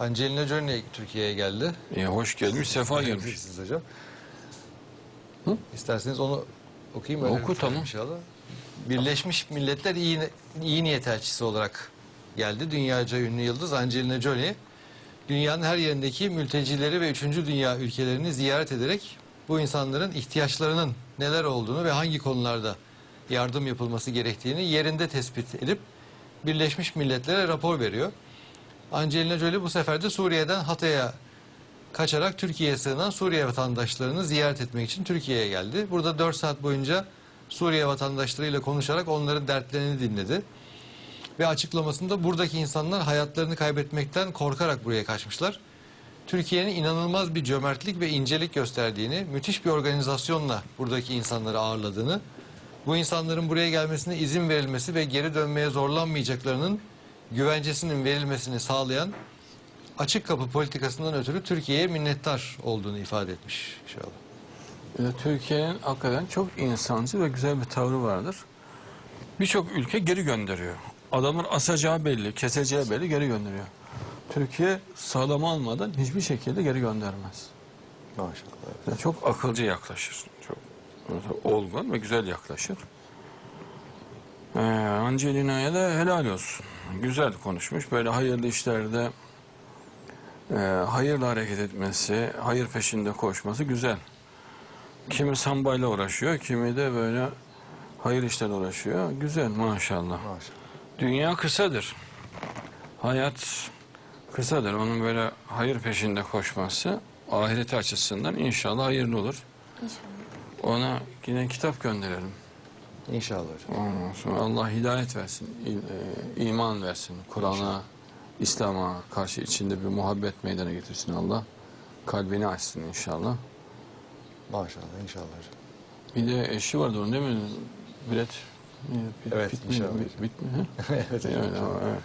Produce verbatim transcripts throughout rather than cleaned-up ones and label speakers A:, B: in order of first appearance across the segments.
A: Angelina Jolie Türkiye'ye geldi.
B: E, hoş gelmiş, sefa gelmiş.
A: Siz hocam.
B: Hı?
A: İsterseniz onu okuyayım. Öyle
B: Oku, tamam.
A: inşallah. Birleşmiş Milletler iyi, iyi niyet elçisi olarak geldi. Dünyaca ünlü yıldız Angelina Jolie, dünyanın her yerindeki mültecileri ve üçüncü dünya ülkelerini ziyaret ederek bu insanların ihtiyaçlarının neler olduğunu ve hangi konularda yardım yapılması gerektiğini yerinde tespit edip Birleşmiş Milletler'e rapor veriyor. Angelina Jolie bu sefer de Suriye'den Hatay'a kaçarak Türkiye'ye sığınan Suriye vatandaşlarını ziyaret etmek için Türkiye'ye geldi. Burada dört saat boyunca Suriye vatandaşlarıyla konuşarak onların dertlerini dinledi. Ve açıklamasında buradaki insanlar hayatlarını kaybetmekten korkarak buraya kaçmışlar. Türkiye'nin inanılmaz bir cömertlik ve incelik gösterdiğini, müthiş bir organizasyonla buradaki insanları ağırladığını, bu insanların buraya gelmesine izin verilmesi ve geri dönmeye zorlanmayacaklarının güvencesinin verilmesini sağlayan açık kapı politikasından ötürü Türkiye'ye minnettar olduğunu ifade etmiş inşallah.
B: Türkiye'nin hakikaten çok insancıl ve güzel bir tavrı vardır. Birçok ülke geri gönderiyor. Adamın asacağı belli, keseceği belli, geri gönderiyor. Türkiye sağlam almadan hiçbir şekilde geri göndermez.
A: Maşallah.
B: Yani çok akılcı yaklaşır. Çok olgun ve güzel yaklaşır. Ee, Angelina'ya da helal olsun. Güzel konuşmuş. Böyle hayırlı işlerde e, hayırla hareket etmesi, hayır peşinde koşması güzel. Kimi sambayla uğraşıyor, kimi de böyle hayır işlerle uğraşıyor. Güzel maşallah.
A: Maşallah.
B: Dünya kısadır. Hayat kısadır. Onun böyle hayır peşinde koşması ahireti açısından inşallah hayırlı olur.
C: İnşallah.
B: Ona yine kitap gönderelim.
A: İnşallah hocam.
B: Ondan sonra Allah hidayet versin, e, iman versin. Kur'an'a, İslam'a karşı içinde bir muhabbet meydana getirsin Allah. Kalbini açsın inşallah.
A: Maşallah inşallah hocam.
B: Bir de eşi vardı onun değil mi? Bilet.
A: Evet,
B: bit mi?
A: inşallah.
B: Bit, bit mi? He?
A: Evet hocam.
B: Evet, evet.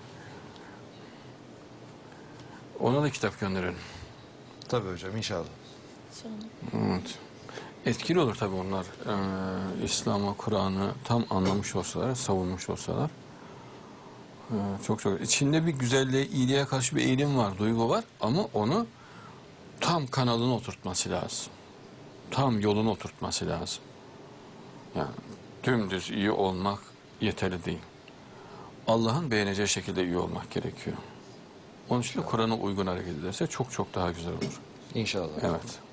B: Ona da kitap gönderelim.
A: Tabii hocam inşallah.
C: İnşallah.
B: Evet. Etkili olur tabii onlar. Ee, İslam'ı, Kur'an'ı tam anlamış olsalar, savunmuş olsalar. Ee, çok çok. İçinde bir güzelliğe, iyiliğe karşı bir eğilim var, duygu var. Ama onu tam kanalına oturtması lazım. Tam yoluna oturtması lazım. Yani dümdüz iyi olmak yeterli değil. Allah'ın beğeneceği şekilde iyi olmak gerekiyor. Onun için de Kur'an'a uygun hareket ederse çok çok daha güzel olur.
A: İnşallah.
B: Evet.